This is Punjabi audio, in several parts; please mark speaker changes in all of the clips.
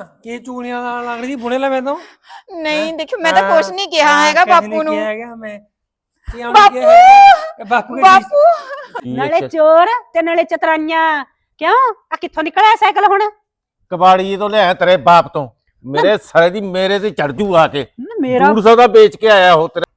Speaker 1: ਕੀ ਚੂੜੀਆਂ ਨਾਲ ਲੱਗਦੀ ਬੁਣੇ ਲਵੇ ਤੋਂ
Speaker 2: ਨਹੀਂ ਦੇਖੋ ਮੈਂ ਤਾਂ ਕੁਛ ਨਹੀਂ ਕਿਹਾ ਹੈਗਾ ਬਾਪੂ ਨੂੰ।
Speaker 1: ਮੈਂ
Speaker 2: ਬਾਪੂ
Speaker 3: ਨਾਲੇ ਚੋਰ ਤੇ ਨਾਲੇ ਚਤਰਾਈਆਂ। ਕਿਉਂ ਆ ਕਿੱਥੋਂ ਨਿਕਲਿਆ ਸਾਈਕਲ ਹੁਣ?
Speaker 4: ਕਬਾੜੀ ਤੋਂ ਲਿਆ ਤੇਰੇ ਬਾਪ ਤੋਂ। ਮੇਰੇ ਸਾਲੇ ਦੀ ਮੇਰੇ ਤੇ ਚੜ ਜੂ ਆ ਕੇ।
Speaker 3: ਮੇਰਾ
Speaker 4: 200 ਦਾ ਵੇਚ ਕੇ ਆਇਆ ਉਹ ਤੇਰੇ।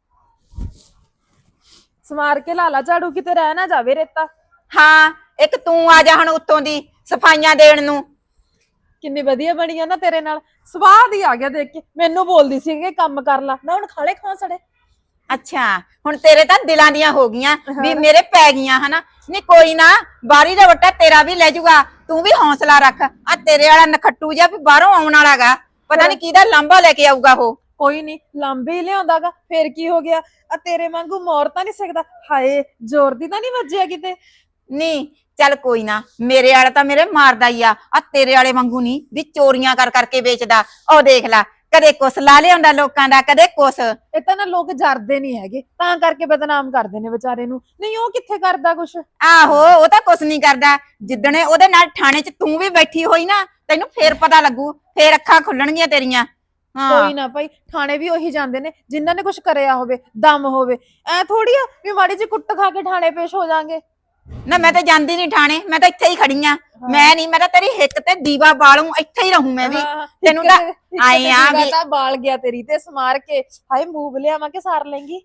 Speaker 5: ਸਮਾਰ ਕੇ ਲਾਲਾ ਝਾੜੂ ਕਿਤੇ ਰਹਿ ਨਾ ਜਾਵੇ ਰੇਤਾ।
Speaker 2: ਹਾਂ ਇੱਕ ਤੂੰ ਆ ਜਾ ਹੁਣ ਉੱਤੋਂ ਦੀ ਸਫਾਈਆਂ ਦੇਣ ਨੂੰ।
Speaker 5: ਕਿੰਨੀ ਵਧੀਆ ਬਣੀ ਆ ਨਾ ਤੇਰੇ ਨਾਲ। ਸਵਾਦ ਹੀ ਆ ਗਿਆ ਦੇਖ ਕੇ। ਮੈਨੂੰ ਬੋਲਦੀ ਸੀ ਕਿ ਕੰਮ ਕਰ ਲਾ, ਨਾ ਹੁਣ ਖਾਲੇ ਖਾਂ ਸੜੇ।
Speaker 2: ਅੱਛਾ ਹੁਣ ਤੇਰੇ ਤਾਂ ਦਿਲਾਂ ਦੀਆਂ ਹੋ ਗਈਆਂ ਵੀ ਮੇਰੇ ਪੈ ਗਈਆਂ ਹਨਾ। ਨਹੀਂ ਕੋਈ ਨਾ, ਬਾਰੀ ਦਾ ਵੱਟਾ ਤੇਰਾ ਵੀ ਲੈ ਜਾਊਗਾ। ਤੂੰ ਵੀ ਹੌਸਲਾ ਰੱਖ। ਆ ਤੇਰੇ ਵਾਲਾ ਨਖੱਟੂ ਜਿਹਾ ਵੀ ਬਾਹਰੋਂ ਆਉਣ ਵਾਲਾਗਾ, ਪਤਾ ਨਹੀਂ ਕਿਹਦਾ ਲਾਂਭਾ ਲੈ ਕੇ ਆਊਗਾ ਉਹ।
Speaker 5: ਕੋਈ ਨਹੀਂ ਲਾਂਬੇ ਹੀ ਲਿਆਉਂਦਾਗਾ, ਫੇਰ ਕੀ ਹੋ ਗਿਆ? ਆ ਤੇਰੇ ਵਾਂਗੂ ਮੋਰ ਤਾਂ ਨਹੀਂ ਸਕਦਾ। ਹਾਏ ਜ਼ੋਰ ਦੀ ਤਾਂ ਨਹੀਂ ਵੱਜਿਆ ਕਿਤੇ?
Speaker 2: ਨਹੀਂ ਚੱਲ ਕੋਈ ਨਾ, ਮੇਰੇ ਵਾਲਾ ਤਾਂ ਮੇਰੇ ਮਾਰਦਾ ਹੀ ਆ ਤੇਰੇ ਵਾਲੇ ਵਾਂਗੂ ਨਹੀਂ ਵੀ ਚੋਰੀਆਂ ਕਰ ਕਰਕੇ ਵੇਚਦਾ। ਉਹ ਦੇਖ ਲੈ, ਕਦੇ ਕੁਛ ਲਾ ਲਿਆਉਂਦਾ ਲੋਕਾਂ ਦਾ, ਕਦੇ ਕੁਛ।
Speaker 5: ਇਹ ਤਾਂ ਨਾ ਲੋਕ ਜਰਦੇ ਨਹੀਂ ਹੈਗੇ, ਤਾਂ ਕਰਕੇ ਬਦਨਾਮ ਕਰਦੇ ਨੇ ਵਿਚਾਰੇ ਨੂੰ। ਨਹੀਂ ਉਹ ਕਿੱਥੇ ਕਰਦਾ ਕੁਛ।
Speaker 2: ਆਹੋ ਉਹ ਤਾਂ ਕੁਛ ਨਹੀਂ ਕਰਦਾ। ਜਿੱਦਣੇ ਉਹਦੇ ਨਾਲ ਥਾਣੇ 'ਚ ਤੂੰ ਵੀ ਬੈਠੀ ਹੋਈ ਨਾ, ਤੈਨੂੰ ਫੇਰ ਪਤਾ ਲੱਗੂ, ਫੇਰ ਅੱਖਾਂ ਖੁੱਲਣਗੀਆਂ ਤੇਰੀਆਂ।
Speaker 5: ਕੋਈ ਨਾ ਭਾਈ, ਥਾਣੇ ਵੀ ਉਹੀ ਜਾਂਦੇ ਨੇ ਜਿਨ੍ਹਾਂ ਨੇ ਕੁਛ ਕਰਿਆ ਹੋਵੇ, ਦਮ ਹੋਵੇ। ਐ ਥੋੜੀ ਆ ਵੀ ਮਾੜੀ ਜਿਹੀ ਕੁੱਟ ਖਾ ਕੇ ਥਾਣੇ ਪੇਸ਼ ਹੋ ਜਾਾਂਗੇ।
Speaker 2: ਨਾ ਮੈਂ ਤਾਂ ਜਾਂਦੀ ਨਹੀਂ ਥਾਣੇ, ਮੈਂ ਤਾਂ ਇੱਥੇ ਹੀ ਖੜੀ ਆ। ਮੈਂ ਨਹੀਂ, ਮੈਂ ਤਾਂ ਤੇਰੀ ਹਿੱਕ ਤੇ ਦੀਵਾ ਬਾਲੂ, ਇੱਥੇ ਹੀ ਰਹੂੰ ਮੈਂ ਵੀ। ਤੈਨੂੰ ਤਾਂ ਆਏ ਆ ਵੀ
Speaker 5: ਤਾਂ ਬਾਲ ਗਿਆ ਤੇਰੀ ਤੇ ਸਮਾਰ ਕੇ। ਹਾਏ ਮੂਵ ਲਿਆਵਾਂ ਕਿ ਸਾਰ ਲੈਂਗੀ?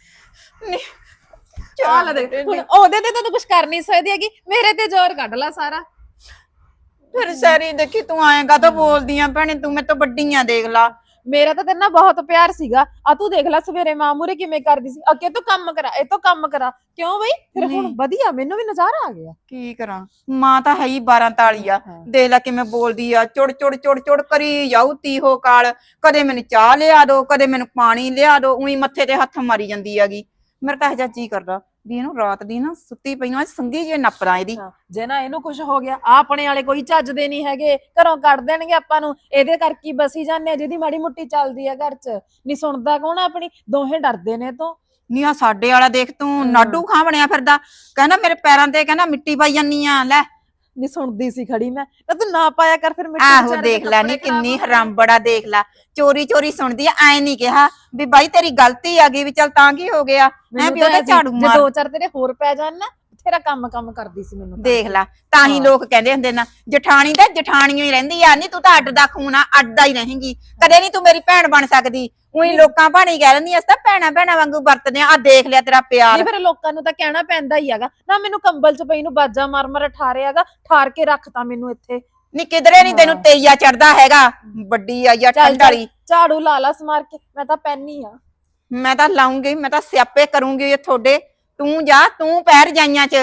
Speaker 5: ਚੱਲ ਦੇ ਹੁਣ, ਉਹਦੇ ਤੇ ਤਾਂ ਤੂੰ ਕੁਛ ਕਰ ਨਹੀਂ ਸਕਦੀ ਹੈਗੀ, ਮੇਰੇ ਤੇ ਜ਼ੋਰ ਕੱਢ ਲੈ ਸਾਰਾ।
Speaker 2: ਫਿਰ ਸਾਰੀ ਦੇਖੀ ਤੂੰ ਆਏਗਾ ਤਾਂ ਬੋਲਦੀਆਂ ਭੈਣੇ, ਤੂੰ ਮੇਰੇ ਤੋਂ ਵੱਡੀਆਂ ਦੇਖ ਲਾ।
Speaker 5: ਮੇਰਾ ਤਾਂ ਤੇਰੇ ਨਾਲ ਬਹੁਤ ਪਿਆਰ ਸੀਗਾ। ਆ ਤੂੰ ਦੇਖ ਲੈ ਸਵੇਰੇ ਮਾਂ ਮੂਹਰੇ ਕਿਵੇਂ ਕਰਦੀ ਸੀ, ਅੱਗੇ ਤੋਂ ਕੰਮ ਕਰਾ, ਇਹ ਤੋਂ ਕੰਮ ਕਰਾ। ਕਿਉਂ ਬਈ? ਫਿਰ ਹੁਣ ਵਧੀਆ, ਮੈਨੂੰ ਵੀ ਨਜ਼ਾਰਾ ਆ ਗਿਆ।
Speaker 2: ਕੀ ਕਰਾਂ, ਮਾਂ ਤਾਂ ਹੈ ਹੀ 12 ਤਾਲੀ ਆ। ਦੇਖ ਲੈ ਕਿਵੇਂ ਬੋਲਦੀ ਆ, ਚੁੜ ਚੁੜ ਚੁੜ ਚੁੜ ਕਰੀ ਜਾਊ ਤੀਹੋ ਕਾਲ। ਕਦੇ ਮੈਨੂੰ ਚਾਹ ਲਿਆ ਦੋ, ਕਦੇ ਮੈਨੂੰ ਪਾਣੀ ਲਿਆ ਦੋ, ਉਹੀ ਮੱਥੇ ਤੇ ਹੱਥ ਮਾਰੀ ਜਾਂਦੀ ਹੈਗੀ। ਮੇਰਾ ਤਾਂ ਇਹ ਜਿਹਾ ਜੀ ਕਰਦਾ ਵੀ ਇਹਨੂੰ ਰਾਤ ਦੀ ਨਾ ਸੁੱਤੀ ਪਈ ਨੂੰ ਸੰਗੀ ਜੇ ਨੱਪਦਾ ਇਹਦੀ।
Speaker 5: ਜੇ ਨਾ ਇਹਨੂੰ ਕੁਝ ਹੋ ਗਿਆ, ਆਪਣੇ ਵਾਲੇ ਕੋਈ ਚੱਜਦੇ ਨਹੀਂ ਹੈਗੇ, ਘਰੋਂ ਕੱਢ ਦੇਣਗੇ ਆਪਾਂ ਨੂੰ। ਇਹਦੇ ਕਰਕੇ ਹੀ ਬਸੀ ਜਾਂਦੇ ਆ, ਜਿਹਦੀ ਮਾੜੀ ਮੁੱਟੀ ਚੱਲਦੀ ਆ ਘਰ 'ਚ। ਨਹੀਂ ਸੁਣਦਾ ਕੌਣ ਆਪਣੀ, ਦੋਹੇ ਡਰਦੇ ਨੇ ਤੋਂ।
Speaker 2: ਨੀ ਆ ਸਾਡੇ ਵਾਲਾ ਦੇਖ ਤੂੰ, ਨਾਡੂ ਖਾਂ ਬਣਿਆ ਫਿਰਦਾ। ਕਹਿੰਦਾ ਮੇਰੇ ਪੈਰਾਂ ਤੇ ਕਹਿੰਦਾ ਮਿੱਟੀ ਪਾਈ ਜਾਨੀ ਆ। ਲੈ
Speaker 5: ਨਹੀਂ ਸੁਣਦੀ ਸੀ ਖੜੀ ਮੈਂ, ਤਾਂ ਤੂੰ ਨਾ ਪਾਇਆ ਕਰ ਫਿਰ ਮਿੱਟੀ।
Speaker 2: ਆਹੋ ਦੇਖ ਲੈ ਨੀ ਕਿੰਨੀ ਹਰਾਮਬੜਾ, ਦੇਖ ਲੈ ਚੋਰੀ ਚੋਰੀ ਸੁਣਦੀ ਆ। ਐ ਨਹੀਂ ਕਿਹਾ ਵੀ ਬਾਈ ਤੇਰੀ ਗਲਤੀ ਆ ਗਈ, ਵੀ ਚੱਲ ਤਾਂ ਕੀ ਹੋ ਗਿਆ, ਮੈਂ ਵੀ ਉਹਦਾ ਝਾੜੂ
Speaker 5: ਜੇ
Speaker 2: ਮਾਰ।
Speaker 5: 2-4 ਤੇਰੇ ਹੋਰ ਪੈ ਜਾਣ ਨਾ, ਤੇਰਾ ਕੰਮ ਕਰਦੀ ਸੀ ਮੈਨੂੰ।
Speaker 2: ਦੇਖ ਲੈ, ਤਾਂ ਹੀ ਲੋਕ ਕਹਿੰਦੇ ਹੁੰਦੇ ਨਾ ਜਠਾਣੀ ਤਾਂ ਜਠਾਣੀਓ ਹੀ ਰਹਿੰਦੀ ਆ। ਨੀ ਤੂੰ ਤਾਂ ਅੱਡ ਦਾ ਖੂਨ ਆ, ਅੱਡ ਹੀ ਰਹੇਂਗੀ, ਕਦੇ ਨਹੀਂ ਤੂੰ ਮੇਰੀ ਭੈਣ ਬਣ ਸਕਦੀ। ਉਹੀ ਲੋਕਾਂ ਭਾਣੀ ਕਹਿ ਦਿੰਦੀ ਅਸ ਤਾਂ ਭੈਣਾ ਭੈਣਾ ਵਾਂਗੂ ਵਰਤਦੇ ਆ। ਦੇਖ ਲਿਆ ਤੇਰਾ ਪਿਆਰ।
Speaker 5: ਨਹੀਂ ਫਿਰ ਲੋਕਾਂ ਨੂੰ ਤਾਂ ਕਹਿਣਾ ਪੈਂਦਾ ਹੀ ਹੈਗਾ ਨਾ। ਮੈਨੂੰ ਕੰਬਲ 'ਚ ਪਈ ਨੂੰ ਬਾਜਾ ਮਾਰ ਮਾਰ ਠਾਰਿਆਗਾ, ਠਾਰ ਕੇ ਰੱਖਤਾ ਮੈਨੂੰ ਇੱਥੇ।
Speaker 2: ਨੀ ਕਿਧਰੇ ਨਹੀਂ ਤੈਨੂੰ ਤੇਈਆ ਚੜਦਾ ਹੈਗਾ, ਵੱਡੀ ਆਈ ਆ ਠੰਡ ਵਾਲੀ।
Speaker 5: ਝਾੜੂ ਲਾ ਲਾ ਸਮਾਰ ਕੇ, ਮੈਂ ਤਾਂ ਪੈਣੀ ਆ।
Speaker 2: ਮੈਂ ਤਾਂ ਲਾਉਂਗੀ, ਮੈਂ ਤਾਂ ਸਿਆਪੇ ਕਰੂੰਗੀ ਇਹ ਤੁਹਾਡੇ। ਤੂੰ ਜਾ, ਤੂੰ ਪੈਰ ਜਾਈਆਂ 'ਚ।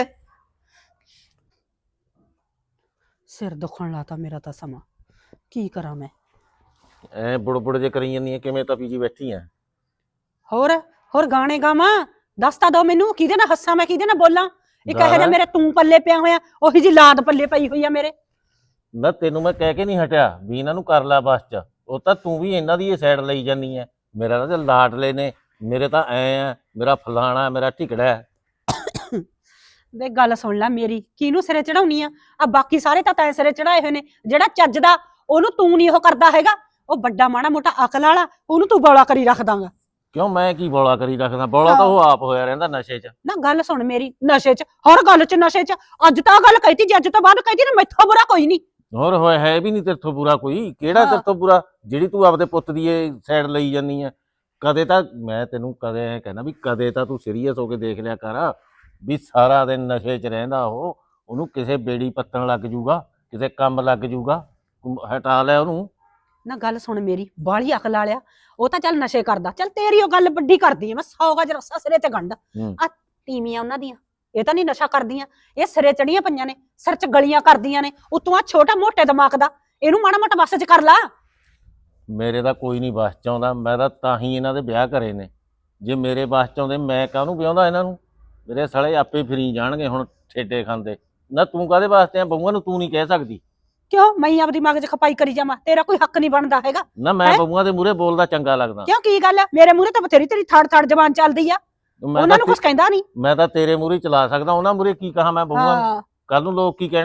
Speaker 3: ਸਿਰ ਦੁਖਣ ਲਾਤਾ ਮੇਰਾ ਤਾਂ ਸਮਾਂ, ਕੀ ਕਰਾਂ ਮੈਂ?
Speaker 4: ਐ ਬੁੜਬੁੜ ਜੇ ਕਰੀ ਜਾਂਦੀ ਐ, ਕਿਵੇਂ ਤਪੀ ਜੀ ਬੈਠੀ ਐ?
Speaker 3: ਹੋਰ ਗਾਣੇ ਗਾਵਾਂ? ਦੱਸ ਤਾਂ ਦੋ ਮੈਨੂੰ, ਕਿਹਦੇ ਨਾਲ ਹੱਸਾਂ ਮੈਂ, ਕਿਹਦੇ ਨਾਲ ਬੋਲਾਂ? ਇੱਕ ਇਹ ਜਿਹਾ ਮੇਰੇ ਤੂੰ ਪੱਲੇ ਪਿਆ ਹੋਇਆ, ਉਹੀ ਜੀ ਲਾਦ ਪੱਲੇ ਪਈ ਹੋਈ ਆ ਮੇਰੇ।
Speaker 4: ਨਾ ਤੈਨੂੰ ਮੈਂ ਕਹਿ ਕੇ ਨਹੀਂ ਹਟਿਆ ਵੀ ਇਹਨਾਂ ਨੂੰ ਕਰ ਲੈ ਬਸ 'ਚ। ਉਹ ਤਾਂ ਤੂੰ ਵੀ ਇਹਨਾਂ ਦੀ ਇਹ ਸਾਈਡ ਲਈ ਜਾਂਦੀ ਐ। ਮੇਰਾ ਤਾਂ ਲਾਡਲੇ ਨੇ, ਮੇਰੇ ਤਾਂ ਐ ਆ, ਮੇਰਾ ਫਲਾਣਾ, ਮੇਰਾ ਢਿਕੜਾ।
Speaker 3: ਵੇ ਗੱਲ ਸੁਣ ਲੈ ਮੇਰੀ, ਕਿਹਨੂੰ ਸਿਰੇ ਚੜਾਉਣੀ ਆ? ਬਾਕੀ ਸਾਰੇ ਤਾਂ ਤੈਂ ਸਿਰੇ ਚੜਾਏ ਹੋਏ ਨੇ। ਜਿਹੜਾ ਚੱਜਦਾ ਉਹਨੂੰ ਤੂੰ ਨਹੀਂ ਉਹ ਕਰਦਾ ਹੈਗਾ। ਉਹ ਵੱਡਾ ਮਾੜਾ ਮੋਟਾ ਅਕਲ ਵਾਲਾ, ਉਹਨੂੰ ਤੂੰ ਬੌਲਾ ਕਰੀ ਰੱਖਦਾਂਗਾ।
Speaker 4: ਕਿਉਂ ਮੈਂ ਕੀ ਬੌਲਾ ਕਰੀ ਰੱਖਦਾ? ਬੌਲਾ ਤਾਂ ਉਹ ਆਪ ਹੋਇਆ ਰਹਿੰਦਾ ਨਸ਼ੇ 'ਚ।
Speaker 3: ਨਾ ਗੱਲ ਸੁਣ ਮੇਰੀ, ਨਸ਼ੇ 'ਚ, ਹਰ ਗੱਲ 'ਚ ਨਸ਼ੇ 'ਚ। ਅੱਜ ਤਾਂ ਗੱਲ ਕਹੀਤੀ, ਜੇ ਅੱਜ ਤੋਂ ਬਾਅਦ ਕਹੀਤੀ ਨਾ, ਮੈਥੋਂ ਬੁਰਾ ਕੋਈ ਨਹੀਂ।
Speaker 4: ਹੋਰ ਹੋਇਆ ਹੈ ਵੀ ਨਹੀਂ ਤੇਥੋਂ ਬੁਰਾ ਕੋਈ। ਕਿਹੜਾ ਤੇਥੋਂ ਬੁਰਾ ਜਿਹੜੀ ਤੂੰ ਆਪਦੇ ਪੁੱਤ ਦੀ ਇਹ ਸਾਈਡ ਲਈ ਜਾਂਦੀ ਐ? ਕਦੇ ਤਾਂ ਮੈਂ ਤੈਨੂੰ ਕਦੇ ਐ ਕਹਿੰਦਾ ਵੀ ਕਦੇ ਤਾਂ ਤੂੰ ਸੀਰੀਅਸ ਹੋ ਕੇ ਦੇਖ ਲਿਆ ਕਰ ਵੀ ਸਾਰਾ ਦਿਨ ਨਸ਼ੇ 'ਚ ਰਹਿੰਦਾ ਉਹ। ਉਹਨੂੰ ਕਿਸੇ ਬੇੜੀ ਪੱਤਣ ਲੱਗ ਜੂਗਾ, ਕਿਸੇ ਕੰਮ ਲੱਗ ਜੂਗਾ, ਹਟਾ ਲੈ ਉਹਨੂੰ।
Speaker 3: ਨਾ ਗੱਲ ਸੁਣ ਮੇਰੀ, ਬਾਹਲੀ ਅਕਲ ਵਾਲਿਆ। ਉਹ ਤਾਂ ਚੱਲ ਨਸ਼ੇ ਕਰਦਾ, ਚੱਲ ਤੇਰੀ ਉਹ ਗੱਲ ਵੱਡੀ ਕਰਦੀ ਐ। ਮੈਂ 100 ਗਜ ਰੱਸਾ ਸਿਰੇ ਤੇ ਗੰਢ। ਆ ਤੀਵੀਆਂ ਉਹਨਾਂ ਦੀਆਂ, ਇਹ ਤਾਂ ਨਹੀਂ ਨਸ਼ਾ ਕਰਦੀਆਂ, ਇਹ ਸਿਰੇ ਚੜੀਆਂ ਪਈਆਂ ਨੇ, ਸਿਰ 'ਚ ਗਲੀਆਂ ਕਰਦੀਆਂ ਨੇ। ਉਤੋਂ ਆ ਛੋਟਾ ਮੋਟੇ ਦਿਮਾਗ ਦਾ, ਇਹਨੂੰ ਮਾੜਾ ਮੋਟਾ ਵਸ 'ਚ ਕਰ ਲਾ।
Speaker 4: ਮੇਰੇ ਤਾਂ ਕੋਈ ਨਹੀਂ ਬਸ 'ਚ ਆਉਂਦਾ। ਮੈਂ ਤਾਂ ਹੀ ਇਹਨਾਂ ਦੇ ਵਿਆਹ ਕਰੇ ਨੇ। ਜੇ ਮੇਰੇ ਬਸ 'ਚ ਆਉਂਦੇ ਮੈਂ ਕਾਹਨੂੰ ਵਿਆਹੁੰਦਾ ਇਹਨਾਂ ਨੂੰ? ਮੇਰੇ ਸਾਲੇ ਆਪੇ ਫਰੀ ਜਾਣਗੇ ਹੁਣ ਠੇਡੇ ਖਾਂਦੇ। ਨਾ ਤੂੰ ਕਾਹਦੇ ਵਾਸਤੇ ਆ? ਬਹੂਆਂ ਨੂੰ ਤੂੰ ਨਹੀਂ ਕਹਿ ਸਕਦੀ।
Speaker 3: ਕਿਉਂ ਮੈਂ ਆਪਦੀ ਦਿਮਾਗ 'ਚ ਖਪਾਈ ਕਰੀ ਜਾਵਾਂ? ਤੇਰਾ ਕੋਈ ਹੱਕ ਨਹੀਂ ਬਣਦਾ ਹੈਗਾ।
Speaker 4: ਨਾ ਮੈਂ ਬਹੂਆਂ ਦੇ ਮੂਹਰੇ ਬੋਲਦਾ ਚੰਗਾ ਲੱਗਦਾ?
Speaker 3: ਕਿਉਂ, ਕੀ ਗੱਲ ਹੈ? ਮੇਰੇ ਮੂਹਰੇ ਤਾਂ ਬਥੇਰੀ ਤੇਰੀ ਥੜ ਜ਼ਬਾਨ ਚੱਲਦੀ ਆ, ਉਹਨਾਂ ਨੂੰ ਕੁਝ ਕਹਿੰਦਾ ਨਹੀਂ।
Speaker 4: ਮੈਂ ਤਾਂ ਤੇਰੇ ਮੂਹਰੇ ਚਲਾ ਸਕਦਾ, ਉਹਨਾਂ ਮੂਹਰੇ ਕੀ ਕਹਾਂ ਮੈਂ ਬਹੂਆਂ ਨੂੰ? ਕੱਲ ਨੂੰ ਲੋਕ ਕੀ ਕਹਿਣਗੇ?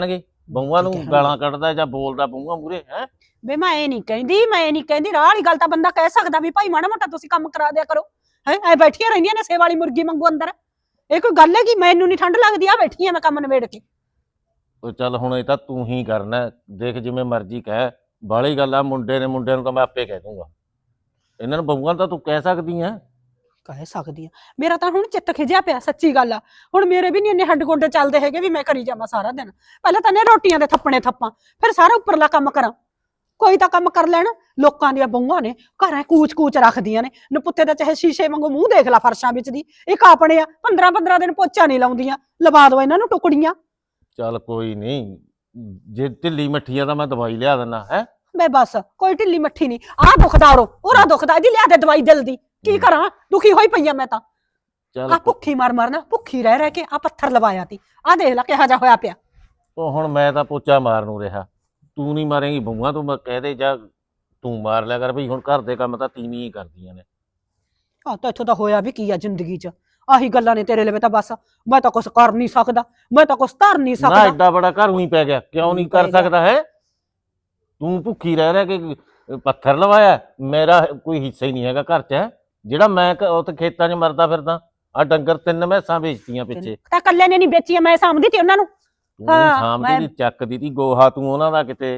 Speaker 4: ਬਹੂਆਂ ਨੂੰ
Speaker 3: ਠੀਕ ਹੈ।
Speaker 4: ਗਾਲਾਂ ਕੱਢਦਾ ਜਾਂ ਬੋਲਦਾ ਬਹੂਆਂ ਮੂਰੇ ਹੈ।
Speaker 3: ਵੇ ਮੈਂ ਇਹ ਨਹੀਂ ਕਹਿੰਦੀ ਰਾਹ ਵਾਲੀ ਗੱਲ ਤਾਂ ਬੰਦਾ ਕਹਿ ਸਕਦਾ ਵੀ ਭਾਈ ਮਾੜਾ ਮੋਟਾ ਤੁਸੀਂ ਕੰਮ ਕਰਾ ਦਿਆ ਕਰੋ ਹੈ ਐ ਬੈਠੀਆਂ ਰਹਿੰਦੀਆਂ ਨੇ ਸੇਵਾ ਵਾਲੀ ਮੁਰਗੀ ਵਾਂਗੂ ਅੰਦਰ ਇਹ ਕੋਈ ਗੱਲ ਹੈ ਕਿ ਮੈਨੂੰ ਨਹੀਂ ਠੰਡ ਲੱਗਦੀ ਆ ਬੈਠੀ ਆ ਮੈਂ ਕੰਮ ਨਿਬੇੜ ਕੇ
Speaker 4: ਉਹ ਚੱਲ ਹੁਣ ਇਹ ਤਾਂ ਤੂੰ ਹੀ ਕਰਨਾ ਹੈ। ਦੇਖ ਜਿਵੇਂ ਮਰਜ਼ੀ ਕਹਿ ਬਾਹਲੀ ਗੱਲ ਆ ਮੁੰਡੇ ਨੂੰ ਤਾਂ ਮੈਂ ਆਪੇ ਕਹਿ ਦੂੰਗਾ ਇਹਨਾਂ ਨੂੰ ਬਹੂਆਂ ਤਾਂ ਤੂੰ ਕਹਿ ਸਕਦੀ ਆ।
Speaker 3: ਕਹਿ ਸਕਦੀ ਆ ਮੇਰਾ ਤਾਂ ਹੁਣ ਚਿੱਤ ਖਿਜਿਆ ਪਿਆ ਸੱਚੀ ਗੱਲ ਆ ਹੁਣ ਮੇਰੇ ਵੀ ਨਹੀਂ ਇੰਨੇ ਹੱਡ ਗੋਡੇ ਚੱਲਦੇ ਹੈਗੇ ਵੀ ਮੈਂ ਕਰੀ ਜਾਵਾਂ ਸਾਰਾ ਦਿਨ ਪਹਿਲਾਂ ਤਾਂ ਨੇ ਰੋਟੀਆਂ ਦੇ ਥੱਪਣੇ ਥੱਪਾਂ ਫਿਰ ਸਾਰਾ ਉੱਪਰਲਾ ਕੰਮ ਕਰਾਂ ਕੋਈ ਤਾਂ ਕੰਮ ਕਰ ਲੈਣ ਲੋਕਾਂ ਦੀਆਂ ਬਹੂਆਂ ਨੇ ਘਰਾਂ ਕੂਚ ਰੱਖਦੀਆਂ ਨੇ ਨਪੁੱਤੇ ਦਾ ਚਾਹੇ ਸ਼ੀਸ਼ੇ ਵਾਂਗੂ ਮੂੰਹ ਦੇਖ ਲੈ ਫਰਸ਼ਾਂ ਵਿੱਚ ਦੀ ਇੱਕ ਆਪਣੇ ਆ 15 ਦਿਨ ਪੋਚਾ ਨਹੀਂ ਲਾਉਂਦੀਆਂ ਲਵਾ ਦੋ ਇਹਨਾਂ ਨੂੰ ਟੁਕੜੀਆਂ
Speaker 4: ਚੱਲ ਕੋਈ ਨਹੀਂ ਜੇ ਢਿੱਲੀ ਮੱਠੀ ਆ ਤਾਂ ਮੈਂ ਦਵਾਈ ਲਿਆ ਦਿੰਦਾ ਹੈ।
Speaker 3: ਬੇ ਬਸ ਕੋਈ ਢਿੱਲੀ ਮੱਠੀ ਨਹੀਂ ਆਹ ਦੁਖਦਾ ਉਹਰਾ ਦੁਖਦਾ ਇਹਦੀ ਲਿਆ ਦੇ ਦਵਾਈ ਦਿਲ ਦੀ ਕੀ ਕਰਾਂ ਦੁਖੀ ਹੋਈ ਪਈ ਆ ਮੈਂ ਤਾਂ
Speaker 4: ਚੱਲ
Speaker 3: ਆ ਭੁੱਖੀ ਮਰ ਨਾ ਭੁੱਖੀ ਰਹਿ ਕੇ ਆ ਪੱਥਰ ਲਵਾਇਆ ਤੀ ਆ ਦੇਖ ਲੈ ਕਿਹਾ ਜਾ ਹੋਇਆ ਪਿਆ
Speaker 4: ਉਹ ਹੁਣ ਮੈਂ ਤਾਂ ਪੋਚਾ ਮਾਰ ਨੂੰ ਰਿਹਾ ਤੂੰ ਨਹੀਂ ਮਾਰੇਂਗੀ ਬਹੂਆਂ ਤੂੰ ਕਹਿ ਦੇ ਜਾਂ ਤੂੰ ਮਾਰ ਲਿਆ ਕਰ ਭਈ ਹੁਣ ਘਰ ਦੇ ਕੰਮ ਤਾਂ ਤੀਵੀਂ ਹੀ ਕਰਦੀਆਂ ਨੇ।
Speaker 3: ਆ ਤਾਂ ਇੱਥੋਂ ਤਾਂ ਹੋਇਆ ਵੀ ਕੀ ਆ ਜ਼ਿੰਦਗੀ 'ਚ ਆਹੀ ਗੱਲਾਂ ਨੇ ਤੇਰੇ ਲਈ ਤਾਂ ਬਸ ਮੈਂ ਤਾਂ ਕੁਛ ਕਰ ਨਹੀਂ ਸਕਦਾ ਮੈਂ ਤਾਂ ਕੁਛ ਧਰ ਨਹੀਂ
Speaker 4: ਨਾ
Speaker 3: ਸਕਦਾ
Speaker 4: ਐਡਾ ਬੜਾ ਘਰ ਹੀ ਪੈ ਗਿਆ ਕਿਉਂ ਨਹੀਂ ਕਰ ਸਕਦਾ ਹੈ। ਤੂੰ ਭੁੱਖੀ ਰਹਿ ਕੇ ਪੱਥਰ ਲਵਾਇਆ ਮੇਰਾ ਕੋਈ ਹਿੱਸਾ ਹੀ ਨਹੀਂ ਹੈਗਾ ਘਰ 'ਚ ਜਿਹੜਾ ਮੈਂ ਉੱਥੇ ਖੇਤਾਂ 'ਚ ਮਰਦਾ ਫਿਰਦਾ ਆ ਡੰਗਰ 3 ਮੈਸਾਂ ਵੇਚਤੀਆਂ ਪਿੱਛੇ
Speaker 3: ਤਾਂ ਕੱਲੇ ਨੇ ਨਹੀਂ ਵੇਚੀਆਂ ਮੈਂ ਸਾਂਭਦੀ ਤੀ ਉਹਨਾਂ ਨੂੰ
Speaker 4: ਤੂੰ
Speaker 3: ਹਾਂ,
Speaker 4: ਸਾਹਮਣੇ ਦੀ ਚੱਕਦੀ ਤੀ ਗੋਹਾ ਤੂੰ ਉਹਨਾਂ ਦਾ ਕਿਤੇ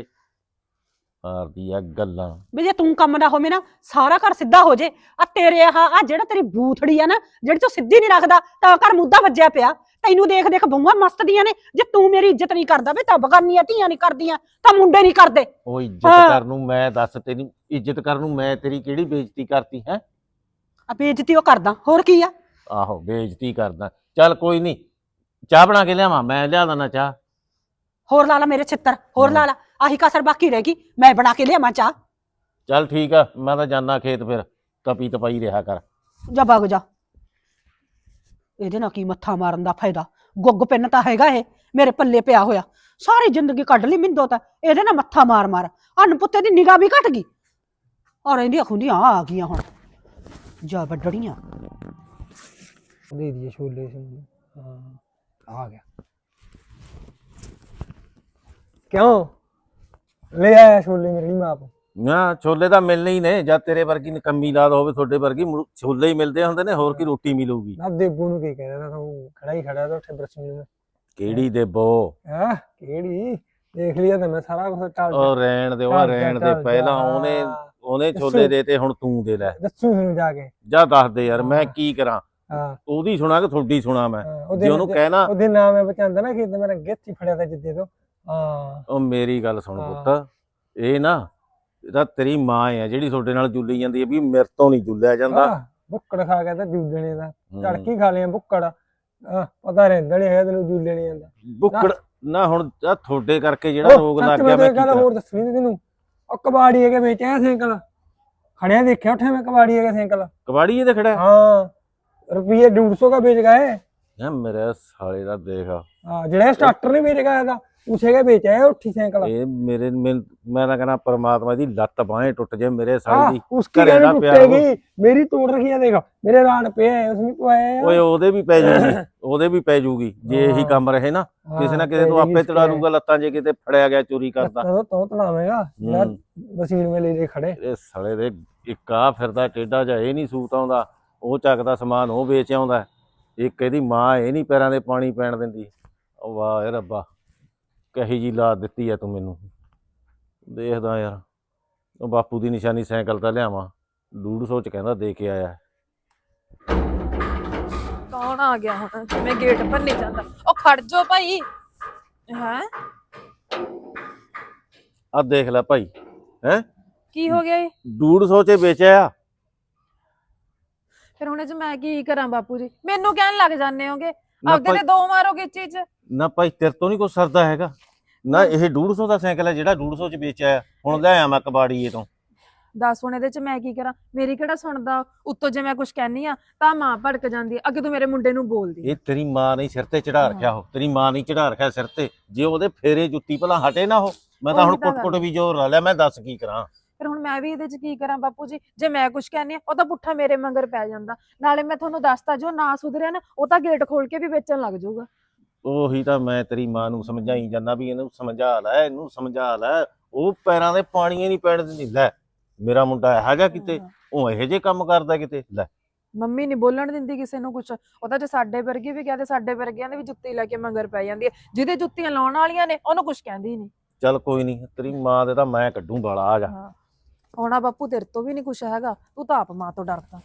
Speaker 4: ਮਾਰਦੀ ਆ ਗੱਲਾਂ।
Speaker 3: ਵੀ ਜੇ ਤੂੰ ਕੰਮ ਦਾ ਹੋਵੇਂ ਨਾ ਸਾਰਾ ਘਰ ਸਿੱਧਾ ਹੋ ਜੇ ਆ ਤੇਰੇ ਆ ਜਿਹੜਾ ਤੇਰੀ ਬੂਥੜੀ ਆ ਨਾ ਜਿਹੜੀ ਤੂੰ ਸਿੱਧੀ ਨਹੀਂ ਰੱਖਦਾ ਤਾਂ ਘਰ ਮੁੱਦਾ ਵੱਜਿਆ ਪਿਆ ਤੈਨੂੰ ਦੇਖ ਦੇਖ ਬਹੂਆਂ ਮਸਤ ਦੀਆਂ ਨੇ ਜੇ ਤੂੰ ਮੇਰੀ ਇੱਜ਼ਤ ਨਹੀਂ ਕਰਦਾ ਵੇ ਤਾਂ ਬਗਾਨੀਆਂ ਧੀਆਂ ਨਹੀਂ ਕਰਦੀਆਂ ਤਾਂ ਮੁੰਡੇ ਨਹੀਂ ਕਰਦੇ
Speaker 4: ਉਹ ਇੱਜ਼ਤ
Speaker 3: ਹਾਂ।
Speaker 4: ਕਰਨ ਨੂੰ ਮੈਂ ਦੱਸ ਤੇਰੀ ਇੱਜ਼ਤ ਕਰਨ ਨੂੰ ਮੈਂ ਤੇਰੀ ਕਿਹੜੀ ਬੇਇੱਜ਼ਤੀ ਕਰਤੀ ਹੈ।
Speaker 3: ਆ ਬੇਇੱਜ਼ਤੀ ਉਹ ਕਰਦਾ ਹੋਰ ਕੀ ਆ
Speaker 4: ਆਹੋ ਬੇਇੱਜ਼ਤੀ ਕਰਦਾ ਚੱਲ ਕੋਈ ਨਹੀਂ ਚਾਹ ਬਣਾ ਕੇ ਲਿਆਵਾਂ ਮੈਂ ਲਿਆ ਦਿੰਦਾ ਚਾਹ।
Speaker 3: ਹੋਰ ਲਾ ਲਾ ਮੇਰੇ ਛਿੱਤਰ ਹੋਰ ਲਾ ਲਾ ਆਹੀ ਕਸਰ ਬਾਕੀ ਰਹਿ ਗਈ ਮੈਂ ਬਣਾ ਕੇ ਲਿਆਵਾਂ ਚਾਹ
Speaker 4: ਚੱਲ ਠੀਕ ਆ ਮੈਂ ਤਾਂ ਜਾਣਾ ਖੇਤ ਫਿਰ ਤਪੀ ਤਪਾਈ ਰਿਹਾ ਕਰ।
Speaker 3: ਜਾ ਵਗ ਜਾ ਇਹਦੇ ਨਾਲ ਕੀ ਮੱਥਾ ਮਾਰਨ ਦਾ ਫਾਇਦਾ ਗੁੱਗ ਪਿੰਨ ਤਾਂ ਹੈਗਾ ਇਹ ਮੇਰੇ ਪੱਲੇ ਪਿਆ ਹੋਇਆ ਸਾਰੀ ਜ਼ਿੰਦਗੀ ਕੱਢ ਲਈ ਮਿੰਦੋ ਤਾਂ ਇਹਦੇ ਨਾਲ ਮੱਥਾ ਮਾਰ ਅਨਪੁੱਤੇ ਦੀ ਨਿਗਾਹ ਵੀ ਘਟ ਗਈ ਔਰ ਇਹਦੀਆਂ ਖੁੰਦੀਆਂ ਆ ਗਈਆਂ ਹੁਣ ਜਾ ਵੱਡੜੀਆਂ
Speaker 1: ਦੇ ਦਿਏ ਛੋਲੇ ਹਾਂ ਆ ਗਿਆ ਕਿਉਂ ਲੈ ਆਇਆ ਛੋਲੇ ਮੇਰੀ ਮਾਂ ਕੋ
Speaker 4: ਨਾ ਛੋਲੇ ਤਾਂ ਮਿਲਣੇ ਹੀ ਨੇ ਜਾਂ ਤੇਰੇ ਵਰਗੀ ਨਕੰਮੀ ਲਾਦ ਹੋਵੇ ਤੁਹਾਡੇ ਵਰਗੀ ਛੋਲੇ ਹੀ ਮਿਲਦੇ ਹੁੰਦੇ ਨੇ ਹੋਰ ਕੀ ਰੋਟੀ ਮਿਲੂਗੀ।
Speaker 1: ਨਾ ਦੇਬੂ ਨੂੰ ਕੀ ਕਹਿਣਾ ਤਾਂ ਉਹ ਖੜਾ ਹੀ ਖੜਾ ਤਾਂ ਉੱਥੇ ਬਰਸਮੀ ਨੂੰ
Speaker 4: ਕਿਹੜੀ ਦੇਬੋ
Speaker 1: ਹਾਂ ਕਿਹੜੀ ਦੇਖ ਲਿਆ ਤਾਂ ਮੈਂ ਸਾਰਾ ਕੁਝ ਟਾਲ
Speaker 4: ਉਹ ਰਹਿਣ ਦੇ ਉਹ ਰਹਿਣ ਦੇ ਪਹਿਲਾਂ ਉਹਨੇ ਛੋਲੇ ਦੇਤੇ ਹੁਣ ਤੂੰ ਦੇ ਲੈ
Speaker 1: ਦੱਸੂ ਤੁਹਾਨੂੰ ਜਾ ਕੇ
Speaker 4: ਜਾ ਦੱਸ ਦੇ ਯਾਰ ਮੈਂ ਕੀ ਕਰਾਂ
Speaker 1: ਹਾਂ
Speaker 4: ਉਹਦੀ ਸੁਣਾ ਕਿ ਤੁਹਾਡੀ ਸੁਣਾ ਮੈਂ
Speaker 1: ਹਾਂ,
Speaker 4: ਜੇ ਉਹਨੂੰ ਕਹਿਣਾ
Speaker 1: ਉਹਦੇ ਨਾਮ ਹੈ ਬਚਾਂਦਾ ਨਾ ਕਿ ਮੇਰਾ ਗਿੱਥ ਹੀ ਫੜਿਆ ਤਾਂ ਜਿੱਦੇ ਤੋਂ ਹਾਂ
Speaker 4: ਉਹ ਮੇਰੀ ਗੱਲ ਸੁਣ
Speaker 1: ਹਾਂ।
Speaker 4: ਪੁੱਤ ਇਹ ਨਾ ਇਹਦਾ ਤੇਰੀ ਮਾਂ ਆ ਜਿਹੜੀ ਤੁਹਾਡੇ ਨਾਲ ਜੁੱਲੀ ਜਾਂਦੀ ਹੈ ਵੀ ਮੇਰੇ ਤੋਂ ਨਹੀਂ ਜੁੱਲਿਆ ਜਾਂਦਾ।
Speaker 1: ਬੁੱਕੜ ਖਾ ਕੇ ਤਾਂ ਜੂਲਣੇ ਦਾ ਝੜਕੀ ਖਾ ਲਿਆ ਬੁੱਕੜ ਪਤਾ ਰਹਿੰਦਾ ਨਹੀਂ ਹੈ ਤੈਨੂੰ ਜੂਲੇ ਨਹੀਂ ਜਾਂਦਾ
Speaker 4: ਬੁੱਕੜ ਨਾ ਹੁਣ ਆਹ ਤੁਹਾਡੇ ਕਰਕੇ ਜਿਹੜਾ ਰੋਗ ਲੱਗ ਗਿਆ ਮੈਂ ਕੀ
Speaker 1: ਗੱਲ
Speaker 4: ਕਰਾਂ।
Speaker 1: ਹੋਰ ਦੱਸਣੀ ਨੀ ਤੈਨੂੰ ਉਹ ਕਬਾੜੀ ਹੈਗੇ ਵੇਚਿਆ ਸਾਈਕਲ ਖੜਿਆ ਦੇਖਿਆ ਉੱਥੇ ਮੈਂ ਕਬਾੜੀ ਹੈਗਾ ਸਾਈਕਲ
Speaker 4: ਕਬਾੜੀ ਇਹਦੇ ਖੜਾ
Speaker 1: हाँ रुपये 150 का बेच गए
Speaker 4: ਯਾ ਮੇਰੇ ਸਾਲੇ ਦਾ ਦੇਖ
Speaker 1: हाँ जेड़ा स्टार्टर नहीं बेच गया था उसे का बेचा है उठी साइकिल
Speaker 4: ਇਹ ਮੈਂ ਤਾਂ ਕਹਿੰਦਾ ਪਰਮਾਤਮਾ ਦੀ ਲੱਤ ਬਾहें ਟੁੱਟ ਜੇ ਮੇਰੇ ਸਾਲੇ
Speaker 1: हाँ
Speaker 4: ਦੀ
Speaker 1: उसकी
Speaker 4: घरे
Speaker 1: कैसे
Speaker 4: दा प्यार
Speaker 1: टूटेगी मेरी तोड़ रखी है देखो मेरे रान पे है उसमें पवाया है
Speaker 4: ਓਏ ਉਹਦੇ ਵੀ ਪੈ ਜੂਗੀ ਉਹਦੇ ਵੀ ਪੈ ਜੂਗੀ ਜੇ ਇਹੀ ਕੰਮ ਰਹੇ ਨਾ ਕਿਸੇ ਨਾ ਕਿਸੇ ਤੋਂ ਆਪੇ ਤੜਾ ਲੂਗਾ ਲੱਤਾਂ ਜੇ ਕਿਤੇ ਫੜਿਆ ਗਿਆ ਚੋਰੀ ਕਰਦਾ।
Speaker 1: तो तड़ावेगा मशीन में ले ले खड़े
Speaker 4: ਇਹ ਸਾਲੇ ਦੇ ਇੱਕ ਆ ਫਿਰਦਾ ਟੇਡਾ ਜਾ ਇਹ ਨਹੀਂ ਸੂਤ ਆਉਂਦਾ ਉਹ ਚੱਕਦਾ ਸਮਾਨ ਉਹ ਵੇਚ ਆਉਂਦਾ ਇੱਕ ਇਹਦੀ ਮਾਂ ਇਹ ਨਹੀਂ ਪੈਰਾਂ ਦੇ ਪਾਣੀ ਪੈਣ ਦਿੰਦੀ। ਉਹ ਵਾਹ ਏ ਰੱਬਾ ਕਹੀ ਜੀ ਲਾ ਦਿੱਤੀ ਆ ਤੂੰ ਮੈਨੂੰ ਦੇਖਦਾ ਯਾਰ ਉਹ ਬਾਪੂ ਦੀ ਨਿਸ਼ਾਨੀ ਸਾਈਕਲ ਤਾਂ ਲਿਆਵਾਂ 150 ਚ ਕਹਿੰਦਾ ਦੇ ਕੇ ਆਇਆ।
Speaker 5: ਕੌਣ ਆ ਗਿਆ ਹੁਣ ਮੈਂ ਗੇਟ ਭੰਨੀ ਜਾਂਦਾ ਉਹ ਖੜ ਜਾ ਭਾਈ ਹੈ
Speaker 4: ਆ ਦੇਖ ਲੈ ਭਾਈ ਹੈ
Speaker 5: ਕੀ ਹੋ ਗਿਆ ਇਹ
Speaker 4: 150 ਚ ਵੇਚਿਆ।
Speaker 5: ਫਿਰ ਹੁਣ ਇਹ ਚ ਮੈਂ ਕੀ ਕਰਾਂ ਬਾਪੂ ਜੀ ਮੈਨੂੰ ਕਹਿਣ ਲੱਗ ਜਾਂਦੇ ਹੋਗੇ
Speaker 4: ਨਾ
Speaker 5: ਆਪਦੇ
Speaker 4: ਭਾਈ
Speaker 5: ਤੇ ਦੋ ਮਾਰੋਗੇ ਚੀਜ਼
Speaker 4: ਨਾ ਭਾਈ ਤੇਰੇ ਤੋਂ ਨਹੀਂ ਕੁਛ ਸਰਦਾ ਹੈਗਾ ਨਾ ਇਹ 150 ਦਾ ਸਾਈਕਲ ਹੈ ਜਿਹੜਾ 150 ਚ ਵੇਚਿਆ ਹੁਣ ਲੈ ਆਇਆ ਮੈਂ ਕਬਾੜੀਏ ਤੋਂ।
Speaker 5: ਦੱਸ ਹੁਣ ਇਹਦੇ ਚ ਮੈਂ ਕੀ ਕਰਾਂ ਮੇਰੀ ਕਿਹੜਾ ਸੁਣਦਾ ਉੱਤੋਂ ਜੇ ਮੈਂ ਕੁਝ ਕਹਿਨੀ ਆ ਤਾਂ ਮਾਂ ਭੜਕ ਜਾਂਦੀ ਆ ਅੱਗੇ ਤੂੰ ਮੇਰੇ ਮੁੰਡੇ ਨੂੰ ਬੋਲਦੀ
Speaker 4: ਇਹ ਤੇਰੀ ਮਾਂ ਨੇ ਸਿਰ ਤੇ ਚੜਾ ਰੱਖਿਆ ਉਹ ਤੇਰੀ ਮਾਂ ਨੇ ਚੜਾ ਰੱਖਿਆ ਸਿਰ ਤੇ ਜੇ ਉਹਦੇ ਫੇਰੇ ਜੁੱਤੀ ਭਲਾ ਹਟੇ ਨਾ ਉਹ ਮੈਂ ਤਾਂ ਹੁਣ
Speaker 5: ਉਹੀ ਤਾਂ
Speaker 4: ਕੁੱਟ-ਕੁੱਟ ਵੀ ਜ਼ੋਰ ਲਾ ਲਿਆ ਮੈਂ ਦੱਸ ਕੀ ਕਰਾਂ।
Speaker 5: ਫਿਰ ਹੁਣ ਮੈਂ ਵੀ ਇਹਦੇ ਚ ਕੀ ਕਰਾਂ ਬਾਪੂ ਜੀ ਜੇ ਮੈਂ ਕੁਝ ਕਹਿੰਨੀ ਆ ਉਹ ਤਾਂ ਪੁੱਠਾ ਮੇਰੇ ਮੰਗਰ ਪੈ ਜਾਂਦਾ ਨਾਲੇ ਮੈਂ ਤੁਹਾਨੂੰ ਦੱਸਤਾ ਜੋ ਨਾ ਸੁਧਰਿਆ ਨਾ ਉਹ ਤਾਂ ਗੇਟ ਖੋਲ ਕੇ ਵੀ ਵੇਚਣ ਲੱਗ ਜਾਊਗਾ।
Speaker 4: ਉਹੀ ਤਾਂ ਮੈਂ ਤੇਰੀ ਮਾਂ ਨੂੰ ਸਮਝਾਈ ਜਾਂਦਾ ਵੀ ਇਹਨੂੰ ਸਮਝਾ ਲੈ, ਇਹਨੂੰ ਸਮਝਾ ਲੈ। ਉਹ ਪੈਰਾਂ ਦੇ ਪਾਣੀ ਨਹੀਂ ਪੈਣ ਦਿੰਦੀ। ਲੈ ਮੇਰਾ ਮੁੰਡਾ ਇਹੋ ਜਿਹਾ ਕਿਤੇ, ਉਹ ਇਹੋ ਜਿਹੇ ਕੰਮ ਕਰਦਾ ਕਿਤੇ। ਲੈ
Speaker 5: ਮੰਮੀ ਨਹੀਂ ਬੋਲਣ ਦਿੰਦੀ ਕਿਸੇ ਨੂੰ ਕੁਛ। ਉਹਦਾ ਜੇ ਸਾਡੇ ਵਰਗੇ ਵੀ ਕਹਿੰਦੇ, ਸਾਡੇ ਵਰਗਿਆਂ ਦੇ ਵੀ ਜੁੱਤੀ ਲੈ ਕੇ ਮਗਰ ਪੈ ਜਾਂਦੀ ਹੈ। ਜਿਹਦੇ ਜੁੱਤੀਆਂ ਲਾਉਣ ਵਾਲੀਆਂ ਨੇ ਉਹਨੂੰ ਕੁਛ ਕਹਿੰਦੀ ਨਹੀਂ।
Speaker 4: ਚੱਲ ਕੋਈ ਨਹੀਂ, ਤੇਰੀ ਮਾਂ ਦੇ ਤਾਂ ਮੈਂ ਕੱਢੂ ਬਾਲਾ। ਆ ਜਾ।
Speaker 5: ਹਾਂ ਹੋਣਾ ਬਾਪੂ ਤੇਰੇ ਤੋਂ ਵੀ ਨਹੀਂ ਕੁਛ ਹੈਗਾ, ਤੂੰ ਤਾਂ ਆਪ ਮਾਂ ਤੋਂ ਡਰਦਾ।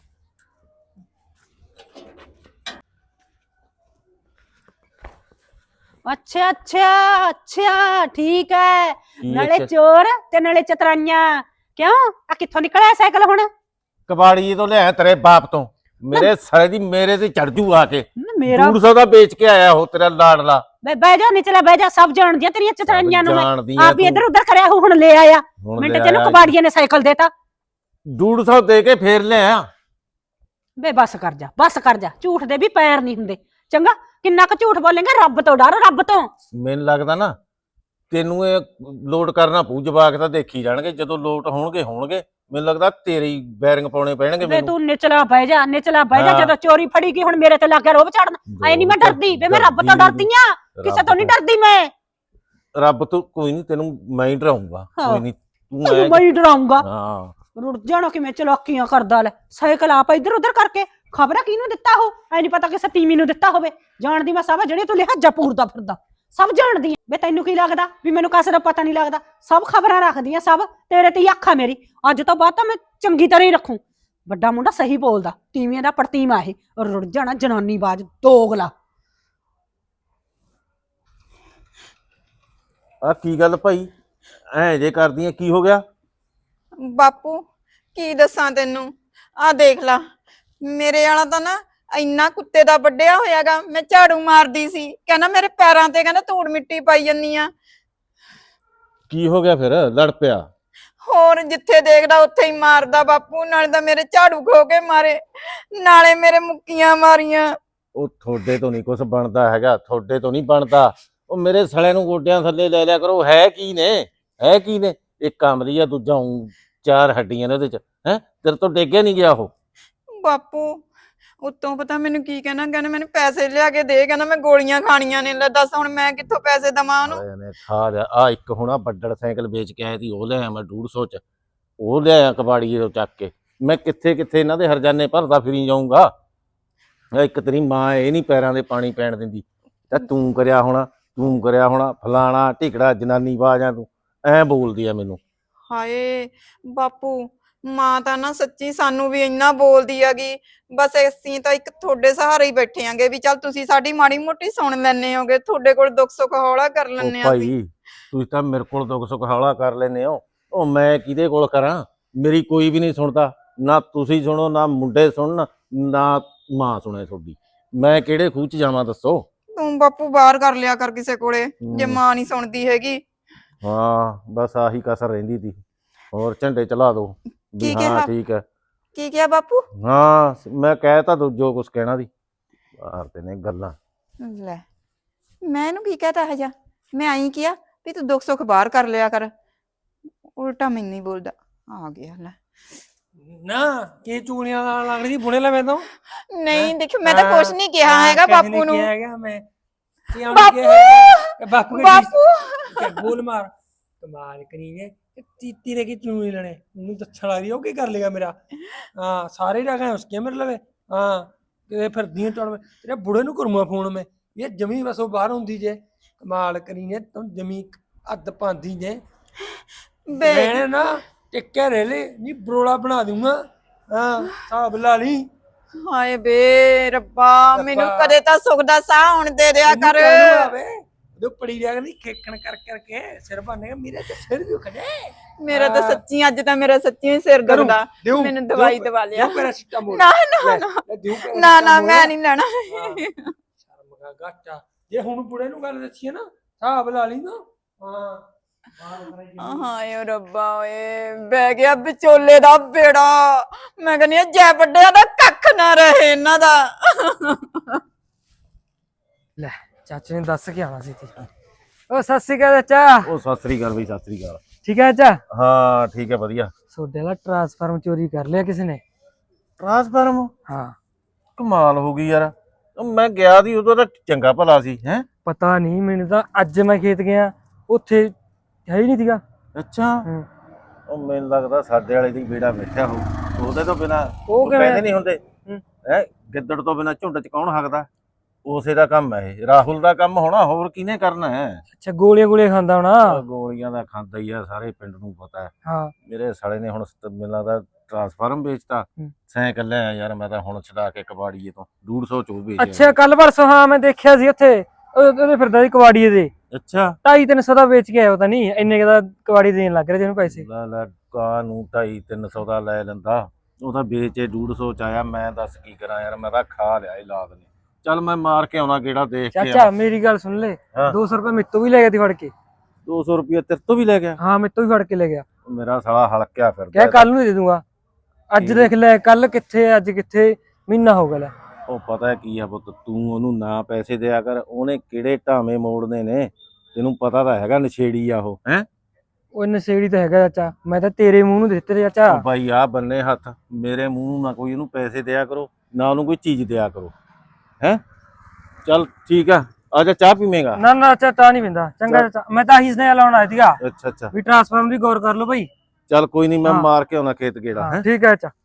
Speaker 3: ਅੱਛਾ ਅੱਛਾ ਅੱਛਾ ਠੀਕ ਹੈ।
Speaker 4: ਕੀ
Speaker 3: ਨਾਲੇ
Speaker 4: ਅੱਛਾ?
Speaker 3: ਚੋਰ ਤੇ ਨਾਲੇ ਚਤਰਾਈਆਂ। ਕਿਉਂ ਆ ਕਿੱਥੋਂ ਨਿਕਲਿਆ ਸਾਈਕਲ ਹੁਣ?
Speaker 4: ਕਬਾੜੀ ਤੋਂ ਲਿਆ ਤੇਰੇ ਬਾਪ ਤੋਂ। ਮੇਰੇ ਸਾਲੇ ਦੀ ਮੇਰੇ ਤੇ ਚੜ ਜੂ ਆ ਕੇ।
Speaker 3: ਮੇਰਾ
Speaker 4: 200 ਦਾ ਵੇਚ ਕੇ ਆਇਆ ਉਹ ਤੇਰਾ ਲਾਡਲਾ।
Speaker 3: ਬਹਿ ਜਾ ਨਿਚਲਾ ਬਹਿ ਜਾ, ਸਭ ਜਾਣਦੀਆਂ ਤੇਰੀਆਂ ਚਤਰਾਈਆਂ ਨੂੰ।
Speaker 4: ਜਾਣਦੀ
Speaker 3: ਆਪ ਹੀ ਇੱਧਰ ਉੱਧਰ ਕਰਿਆ ਹੁਣ ਲੈ ਆਇਆ। ਮਿੰਟ ਚ ਇਹਨੂੰ ਕਬਾੜੀਏ ਨੇ ਸਾਈਕਲ ਦੇਤਾ।
Speaker 4: 150 ਦੇ ਕੇ ਫੇਰ ਲਿਆ।
Speaker 3: ਬੇ ਬਸ ਕਰ ਜਾ, ਝੂਠ ਦੇ ਵੀ ਪੈਰ ਨਹੀਂ ਹੁੰਦੇ। ਚੰਗਾ ਕਿੰਨਾ ਕੁ ਝੂਠ ਬੋਲੇਂਗਾ? ਰੱਬ ਤੋਂ ਡਰ, ਰੱਬ ਤੋਂ।
Speaker 4: ਮੈਨੂੰ ਲੱਗਦਾ ਨਾ ਤੈਨੂੰ ਇਹ ਲੋਡ ਕਰਨਾ ਪਊ। ਜਵਾਕ ਤਾਂ ਦੇਖੀ ਜਾਣਗੇ, ਜਦੋਂ ਲੋਟ ਹੋਣਗੇ ਮੈਨੂੰ ਲੱਗਦਾ ਤੇਰੇ ਹੀ ਬੈਰਿੰਗ ਪਾਉਣੇ ਪੈਣਗੇ
Speaker 3: ਬੇ
Speaker 4: ਮੈਨੂੰ।
Speaker 3: ਤੂੰ ਨਿਚਲਾ ਬਹਿ ਜਾ
Speaker 4: ਹਾਂ।
Speaker 3: ਜਦੋਂ ਚੋਰੀ ਫੜੀ ਗਈ ਹੁਣ ਮੇਰੇ ਤੇ ਲੱਗ ਗਿਆ ਰੋਬ ਚੜਨ। ਐ ਨਹੀਂ ਮੈਂ ਡਰਦੀ ਬੇ, ਮੈਂ ਰੱਬ ਤੋਂ ਡਰਦੀ ਆ, ਕਿਸੇ ਤੋਂ ਨਹੀਂ ਡਰਦੀ ਮੈਂ।
Speaker 4: ਰੱਬ ਤੋਂ ਕੋਈ ਨਹੀਂ, ਤੈਨੂੰ ਮੈਂ ਹੀ ਡਰਾਉਂਗਾ। ਕੋਈ ਨਹੀਂ
Speaker 3: ਤੈਨੂੰ ਮੈਂ ਹੀ ਡਰਾਉਂਗਾ।
Speaker 4: ਹਾਂ
Speaker 3: ਰੁੜ ਜਾਣਾ ਕਿਵੇਂ ਚਲਾਕੀਆਂ ਕਰਦਾ। ਲੈ ਸਾਈਕਲ ਆਪ ਇੱਧਰ ਉੱਧਰ ਕਰਕੇ ਖਬਰਾਂ ਕਿਹਨੂੰ ਦਿੱਤਾ ਹੋ? ਐ ਨਹੀਂ ਪਤਾ ਕਿਸੇ ਤੀਵੀਂ ਨੂੰ ਦਿੱਤਾ ਹੋਵੇ। ਜਾਣਦੀ ਮੈਂ ਸਭ, ਜਿਹੜੇ ਤੂੰ ਲਿਹਾਜ਼ਾ ਪੂਰਦਾ ਫਿਰਦਾ ਸਭ ਜਾਣਦੀ ਆ। ਬੇ ਤੈਨੂੰ ਕੀ ਲੱਗਦਾ ਵੀ ਮੈਨੂੰ ਕਿਸੇ ਦਾ ਪਤਾ ਨਹੀਂ ਲੱਗਦਾ? ਸਭ ਖਬਰਾਂ ਰੱਖਦੀਆਂ, ਸਭ ਤੇਰੇ ਤੇ ਹੀ ਅੱਖ ਆ ਮੇਰੀ। ਅੱਜ ਤੋਂ ਬਾਅਦ ਤਾਂ ਮੈਂ ਚੰਗੀ ਤਰ੍ਹਾਂ ਹੀ ਰੱਖੂ। ਵੱਡਾ ਮੁੰਡਾ ਸਹੀ ਬੋਲਦਾ, ਤੀਵੀਆਂ ਦਾ ਪ੍ਰਤੀਮਾ ਇਹ। ਰੁੜ ਜਾਣਾ ਜਨਾਨੀ ਬਾਜ ਦੋਗਲਾ।
Speaker 4: ਆ ਕੀ ਗੱਲ ਭਾਈ, ਐ ਜੇ ਕਰਦੀਆਂ ਕੀ ਹੋ ਗਿਆ?
Speaker 2: ਬਾਪੂ ਕੀ ਦੱਸਾਂ ਤੈਨੂੰ, ਆ ਦੇਖ ਲਾ ਮੇਰੇ ਵਾਲਾ ਤਾਂ ਨਾ ਇੰਨਾ ਕੁੱਤੇ ਦਾ ਵੱਡਿਆ ਹੋਇਆਗਾ। ਮੈਂ ਝਾੜੂ ਮਾਰਦੀ ਸੀ, ਕਹਿੰਦਾ ਮੇਰੇ ਪੈਰਾਂ ਤੇ ਕਹਿੰਦਾ ਧੂੜ ਮਿੱਟੀ ਪਾਈ ਜੰਨੀ ਆ।
Speaker 4: ਕੀ ਹੋ ਗਿਆ ਫਿਰ? ਲੜ ਪਿਆ?
Speaker 2: ਹੋਰ ਜਿੱਥੇ ਦੇਖਦਾ ਉੱਥੇ ਹੀ ਮਾਰਦਾ ਬਾਪੂ। ਨਾਲੇ ਤਾਂ ਮੇਰੇ ਝਾੜੂ ਖੋ ਕੇ ਮਾਰੇ, ਨਾਲੇ ਮੇਰੇ ਮੁੱਕੀਆਂ ਮਾਰੀਆਂ।
Speaker 4: ਉਹ ਤੁਹਾਡੇ ਤੋਂ ਨਹੀਂ ਕੁਝ ਬਣਦਾ ਹੈਗਾ, ਤੁਹਾਡੇ ਤੋਂ ਨਹੀਂ ਬਣਦਾ। ਉਹ ਮੇਰੇ ਸਲੇ ਨੂੰ ਗੋਡਿਆਂ ਥੱਲੇ ਲੈ ਲਿਆ ਕਰੋ। ਹੈ ਕੀ ਨੇ? ਇੱਕ ਕਮਰੀ ਆ, ਦੂਜਾ ਚਾਰ ਹੱਡੀਆਂ ਨੇ ਉਹਦੇ ਚ। ਹੈ ਤੇਰੇ ਤੋਂ ਡੇਗਿਆ ਨਹੀਂ ਗਿਆ ਉਹ?
Speaker 2: ਬਾਪੂ ਉੱਤੋਂ ਪਤਾ ਮੈਨੂੰ ਕੀ ਕਹਿੰਦਾ ਮੈਨੂੰ ਪੈਸੇ ਲਿਆ ਕੇ ਦੇ, ਕਹਿੰਦਾ ਮੈਂ ਗੋਲੀਆਂ ਖਾਣੀਆਂ ਨੇ। ਲੈ ਦੱਸ ਹੁਣ ਮੈਂ ਕਿੱਥੋਂ ਪੈਸੇ ਦਵਾਂ ਉਹਨੂੰ?
Speaker 4: ਆ ਇੱਕ ਹੁਣ ਬੱਡੜ ਸਾਈਕਲ ਵੇਚ ਕੇ ਆਇਆ ਸੀ, ਉਹ ਲਿਆਇਆ ਮੈਂ 150 ਚ। ਉਹ ਲਿਆਇਆ ਕਬਾੜੀਏ ਤੋਂ ਚੱਕ ਕੇ। ਮੈਂ ਕਿੱਥੇ ਇਹਨਾਂ ਦੇ ਹਰਜਾਨੇ ਭਰਦਾ ਫਿਰੀ ਜਾਊਂਗਾ। ਇੱਕ ਤੇਰੀ ਮਾਂ ਇਹ ਨਹੀਂ ਪੈਰਾਂ ਦੇ ਪਾਣੀ ਪੈਣ ਦਿੰਦੀ। ਤਾਂ ਤੂੰ ਕਰਿਆ ਹੋਣਾ ਫਲਾਣਾ ਢਿਕੜਾ ਜਨਾਨੀ ਬਾਜਾਂ। ਤੂੰ ਐ ਬੋਲਦੀ ਆ ਮੈਨੂੰ।
Speaker 2: ਹਾਏ ਬਾਪੂ ਮਾਂ ਤਾਂ ਨਾ ਸੱਚੀ ਸਾਨੂੰ ਵੀ ਇੰਨਾ ਬੋਲਦੀ ਹੈਗੀ। ਬਸ ਅਸੀਂ ਤਾਂ ਇੱਕ ਤੁਹਾਡੇ ਸਹਾਰੇ ਹੀ ਬੈਠੇ ਆਂਗੇ ਵੀ ਚੱਲ ਤੁਸੀਂ ਸਾਡੀ ਮਾੜੀ ਮੋਟੀ ਸੁਣ ਲੈਣੇ ਹੋਗੇ, ਤੁਹਾਡੇ ਕੋਲ ਦੁੱਖ ਸੁੱਖ ਹੌਲਾ ਕਰ
Speaker 4: ਉਹ
Speaker 2: ਲੈਣੇ ਆ।
Speaker 4: ਭਾਈ ਤੁਸੀਂ ਤਾਂ ਮੇਰੇ ਕੋਲ ਦੁੱਖ ਸੁੱਖ ਹੌਲਾ ਕਰ ਲੈਨੇ ਹੋ। ਉਹ ਮੈਂ ਕਿਹਦੇ ਕੋਲ ਕਰਾਂ? ਮੇਰੀ ਕੋਈ ਵੀ ਨਹੀਂ ਸੁਣਦਾ। ਨਾ ਤੁਸੀਂ ਸੁਣੋ, ਨਾ ਮੁੰਡੇ ਸੁਣਨ, ਨਾ ਮਾਂ ਸੁਣੇ ਤੁਹਾਡੀ। ਮੈਂ ਕਿਹੜੇ ਖੂਹ ਚ ਜਾਵਾਂ ਦੱਸੋ?
Speaker 2: ਤੂੰ ਬਾਪੂ ਬਾਹਰ ਕਰ ਲਿਆ ਕਰ ਕਿਸੇ ਕੋਲੇ, ਜੇ ਮਾਂ ਨਹੀਂ ਸੁਣਦੀ ਹੈਗੀ।
Speaker 4: ਹਾਂ ਬਸ ਆਹੀ ਕਸਰ ਰਹਿੰਦੀ ਸੀ। ਹੋਰ ਝੰਡੇ ਚਲਾ ਦੋ ਵੀ
Speaker 2: ਕੀ
Speaker 4: ਹਾਂ
Speaker 2: ਕਿਹਾ?
Speaker 4: ਠੀਕ ਹੈ।
Speaker 2: ਕੀ ਕਿਹਾ ਬਾਪੂ?
Speaker 4: ਹਾਂ ਮੈਂ ਕਹਿ ਤਾ ਜੋ ਕੁਛ ਕਹਿਣਾ ਦੀ। ਬਾਹਰ ਤੇ ਨੇ ਗੱਲਾਂ।
Speaker 2: ਲੈ ਮੈਂ ਇਹਨੂੰ ਕੀ ਕਹਤਾ ਹੈ ਜਾ? ਮੈਂ ਆਈ ਕਿਹਾ ਵੀ ਤੂੰ ਦੁੱਖ ਸੁੱਖ ਬਾਹਰ ਕਰ ਲਿਆ ਕਰ, ਉਲਟਾ ਮੈਨੂੰ ਹੀ ਬੋਲਦਾ। ਆ ਗਿਆ ਲੈ।
Speaker 1: ਨਾ ਕੀ ਚੂੜੀਆਂ ਨਾਲ ਲੱਗਦੀ ਬੁਣੇ ਲੈ ਮੈਂ ਤਾਂ।
Speaker 2: ਨਹੀਂ ਦੇਖ ਮੈਂ ਤਾਂ ਕੁਛ ਨਹੀਂ ਕਿਹਾ ਹੈਗਾ ਬਾਪੂ ਨੂੰ।
Speaker 1: ਹੈਗਾ ਮੈਂ
Speaker 2: ਬਾਪੂ
Speaker 1: ਬਾਪੂ
Speaker 2: ਬਾਪੂ
Speaker 1: ਬੋਲ ਮਾਰ ਕਮਾਲ ਕਰੀ ਨੇ। ਤੀਰੇ ਕੀ ਚੂੜੀ ਲੈਣੇ ਉਹਨੂੰ ਦੱਛਣ ਲੱਗਦੀ, ਉਹ ਕੀ ਕਰ ਲੇਗਾ ਮੇਰਾ? ਹਾਂ ਸਾਰੇ ਜਗ੍ਹਾ ਉਸਕੇ ਮੇਰੇ ਲਵੇ। ਹਾਂ ਤੇ ਫਿਰਦੀਆਂ ਟੜ ਤੇਰੇ ਬੁੜੇ ਨੂੰ ਕਰੂੰਗਾ ਫੋਨ ਮੈਂ। ਇਹ ਜਮੀ ਬਸ ਉਹ ਬਾਹਰ ਹੁੰਦੀ ਜੇ। ਕਮਾਲ ਕਰੀ ਨੇ ਤੂੰ ਜਮੀ ਅੱਧ ਪਾਂਦੀ ਜੇ। ਮੈਂ ਨਾ ਟਿੱਕੇ ਰੇਲੇ ਨਹੀਂ ਬਰੋਲਾ ਬਣਾ ਦੂੰਗਾ। ਹਾਂ ਹਿਸਾਬ ਲਾ ਲਈ।
Speaker 2: ਹਾਏ ਬੇ ਰੱਬਾ ਮੈਨੂੰ ਕਦੇ ਤਾਂ ਸੁੱਖ ਦਾ ਸਾਹ ਹੁਣ ਦੇ ਦਿਆ ਕਰ।
Speaker 1: ਜੋ ਪੜੀ ਰਿਆ ਨਹੀਂ ਖੇਕਣ ਕਰ ਕਰਕੇ ਸਿਰ ਬੰਨੇਗਾ ਮੇਰੇ ਤੇ ਸਿਰ ਦੁਖ ਜੇ।
Speaker 2: ਮੇਰਾ ਤਾਂ ਸੱਚੀ ਅੱਜ ਤਾਂ ਮੇਰਾ ਸੱਚੀ ਸਿਰ ਦੁਖਦਾ। ਮੈਨੂੰ ਦਵਾਈ ਦਵਾ ਲਿਆ। ਨਾ ਨਾ ਮੈਂ ਨਹੀਂ ਲੈਣਾ।
Speaker 1: ਸ਼ਰਮ ਦਾ ਘਾਟਾ। ਜੇ ਹੁਣ ਬੁੜੇ ਨੂੰ ਗੱਲ ਦੱਸੀਏ ਨਾ ਹਿਸਾਬ ਲਾ ਲਈ ਨਾ। ਹਾਂ
Speaker 2: ਹਾਏ ਓ ਰੱਬਾ ਓਏ ਬਹਿ ਗਿਆ ਵਿਚੋਲੇ ਦਾ ਬੇੜਾ। ਮੈਂ ਕਹਿੰਦੀ ਆ ਜੈ ਵੱਡਿਆਂ ਦਾ ਕੱਖ ਨਾ ਰਹੇ ਇਹਨਾਂ ਦਾ।
Speaker 1: ਲੈ ਚਾਚੇ ਨੇ ਦੱਸ ਕੇ ਆਣਾ ਸੀ ਤੀ। ਉਹ ਸਤਿ ਸ਼੍ਰੀ ਅਕਾਲ ਚਾਚਾ।
Speaker 4: ਉਹ ਸਤਿ ਸ੍ਰੀ ਅਕਾਲ ਬਈ, ਸਤਿ ਸ੍ਰੀ ਅਕਾਲ।
Speaker 1: ਠੀਕ ਹੈ ਚਾਚਾ?
Speaker 4: ਹਾਂ ਠੀਕ ਹੈ ਵਧੀਆ।
Speaker 1: ਤੁਹਾਡੇ ਦਾ ਟਰਾਂਸਫਾਰਮ ਚੋਰੀ ਕਰ ਲਿਆ ਕਿਸੇ ਨੇ?
Speaker 4: ਟ੍ਰਾਂਸਫਾਰਮ?
Speaker 1: ਹਾਂ।
Speaker 4: ਕਮਾਲ ਹੋ ਗਈ ਯਾਰ। ਮੈਂ ਗਿਆ ਦੀ ਉਦੋਂ ਤਾਂ ਚੰਗਾ ਭਲਾ ਸੀ ਹੈ।
Speaker 1: ਪਤਾ ਨਹੀਂ ਮੈਨੂੰ ਤਾਂ ਅੱਜ ਮੈਂ ਖੇਤ ਗਿਆ ਉੱਥੇ ਹੈ ਹੀ ਨਹੀਂ ਸੀਗਾ।
Speaker 4: ਅੱਛਾ
Speaker 1: ਹੂੰ।
Speaker 4: ਉਹ ਮੈਨੂੰ ਲੱਗਦਾ ਸਾਡੇ ਵਾਲੇ ਦੀ ਬੇੜਾ ਬੈਠਾ ਹੋਊ। ਉਹਦੇ ਤੋਂ ਬਿਨਾ
Speaker 1: ਉਹ ਕਿਵੇਂ?
Speaker 4: ਕਹਿੰਦੇ ਨਹੀਂ ਹੁੰਦੇ
Speaker 1: ਹੂੰ।
Speaker 4: ਹੈ ਗਿੱਦੜ ਤੋਂ ਬਿਨਾ ਝੁੰਡ ਚ ਕੌਣ ਹੱਕਦਾ। ਉਸੇ ਦਾ ਕੰਮ ਹੈ ਇਹ, ਰਾਹੁਲ ਦਾ ਕੰਮ ਹੋਣਾ, ਹੋਰ ਕਿਹਨੇ ਕਰਨਾ ਹੈ।
Speaker 1: ਅੱਛਾ ਗੋਲੀਆਂ ਖਾਂਦਾ ਹੋਣਾ।
Speaker 4: ਗੋਲੀਆਂ ਦਾ ਖਾਂਦਾ ਹੀ ਆ, ਸਾਰੇ ਪਿੰਡ ਨੂੰ ਪਤਾ ਹੈ।
Speaker 1: ਹਾਂ
Speaker 4: ਮੇਰੇ ਸਾਲੇ ਨੇ ਹੁਣ ਮੈਨੂੰ ਲੱਗਦਾ ਟਰਾਂਸਫਾਰਮ ਵੇਚਤਾ।
Speaker 1: ਹੂੰ।
Speaker 4: ਸਾਈਕਲ ਲਿਆ ਯਾਰ ਮੈਂ ਤਾਂ ਹੁਣ ਛਡਾ ਕੇ ਕਬਾੜੀਏ ਤੋਂ 150 ਚ ਉਹ ਵੇਚਿਆ।
Speaker 1: ਅੱਛਾ ਕੱਲ ਪਰਸੋਂ ਹਾਂ ਮੈਂ ਦੇਖਿਆ ਸੀ ਉੱਥੇ ਉਹਦੇ ਫਿਰਦਾ ਸੀ ਕਵਾੜੀਏ ਦੇ
Speaker 4: ਅੱਛਾ
Speaker 1: 250-300 ਦਾ ਵੇਚ ਕੇ ਆਇਆ ਪਤਾ ਨਹੀਂ ਇੰਨੇ ਦਾ ਕਵਾੜੀ ਦੇਣ ਲੱਗ ਰਿਹਾ ਜਿਹਨੂੰ ਪੈਸੇ।
Speaker 4: ਲੈ ਕਾ ਨੂੰ 250-300 ਦਾ ਲੈ ਲੈਂਦਾ, ਉਹ ਤਾਂ ਵੇਚੇ 150 ਚ ਆਇਆ। ਮੈਂ ਦੱਸ ਕੀ ਕਰਾਂ ਯਾਰ, ਮੈਂ ਤਾਂ ਖਾ ਲਿਆ ਇਹ ਲਾਦ ਨੇ। ਚੱਲ ਮੈਂ ਮਾਰ ਕੇ ਆਉਣਾ ਕਿਹੜਾ ਦੇਖ ਕੇ।
Speaker 1: ਚਾਚਾ ਮੇਰੀ ਗੱਲ ਸੁਣ ਲੈ,
Speaker 4: ਹਾਂ।
Speaker 1: 200 ਰੁਪਏ ਮੇਤੋਂ ਵੀ ਲੈ ਗਿਆ ਤੀ ਫੜ ਕੇ।
Speaker 4: 200 ਰੁਪਏ ਤੇਰੇ ਤੋਂ ਵੀ ਲੈ ਗਿਆ?
Speaker 1: ਹਾਂ ਮੇਤੋਂ ਵੀ ਫੜ ਕੇ ਲੈ ਗਿਆ।
Speaker 4: ਮੇਰਾ ਸਾਲਾ ਹਲਕਿਆ ਫਿਰਦਾ।
Speaker 1: ਕਿਹਾ ਕੱਲ ਨੂੰ ਦੇ ਦੂੰਗਾ। ਅੱਜ ਦੇਖ ਲੈ ਕੱਲ ਕਿੱਥੇ ਅੱਜ ਕਿੱਥੇ, ਮਹੀਨਾ ਹੋ ਗਿਆ ਲੈ।
Speaker 4: ਉਹ ਪਤਾ ਕੀ ਆ ਪੁੱਤ, ਤੂੰ ਉਹਨੂੰ ਨਾ ਪੈਸੇ ਦਿਆ ਕਰ, ਉਹਨੇ ਕਿਹੜੇ ਢਾਵੇਂ ਮੋੜਨੇ ਨੇ ਤੈਨੂੰ ਪਤਾ ਤਾਂ ਹੈਗਾ, ਨਸ਼ੇੜੀ ਆ ਉਹ ਹੈ।
Speaker 1: ਉਹ ਨਸ਼ੇੜੀ ਤਾਂ ਹੈਗਾ ਚਾਚਾ, ਮੈਂ ਤਾਂ ਤੇਰੇ ਮੂੰਹ ਨੂੰ ਦਿੱਤੇ ਤੇ ਚਾਚਾ।
Speaker 4: ਉਹ ਬਾਈ ਆ ਬੰਨੇ ਹੱਥ, ਮੇਰੇ ਮੂੰਹ ਨੂੰ ਨਾ ਕੋਈ ਉਹਨੂੰ ਪੈਸੇ ਦਿਆ ਕਰੋ, ਨਾ ਉਹਨੂੰ ਕੋਈ ਚੀਜ਼ ਦਿਆ ਕਰੋ ਹੈ। ਚੱਲ ਠੀਕ ਆ, ਆ ਜਾ ਚਾਹ ਪੀਵੇਂਗਾ?
Speaker 1: ਨਾ ਨਾ ਚਾਚਾ ਨਹੀਂ ਪਿੰਦਾ। ਚੰਗਾ ਚਾਚਾ, ਮੈਂ ਤਾਂ ਆਹੀ ਸੁਨੇਹਾ ਲਾਉਣ ਆਇਆ ਸੀਗਾ
Speaker 4: ਅੱਛਾ
Speaker 1: ਵੀ ਟਰਾਂਸਫਾਰਮ ਦੀ ਗੌਰ ਕਰ ਲਓ ਭਾਈ।
Speaker 4: ਚੱਲ ਕੋਈ ਨਹੀਂ, ਮੈਂ
Speaker 1: ਹਾਂ।
Speaker 4: ਮਾਰ ਕੇ ਆਉਣਾ ਖੇਤ ਗੇੜਾ ਹੈ।
Speaker 1: ਠੀਕ ਹੈ ਚਾਚਾ।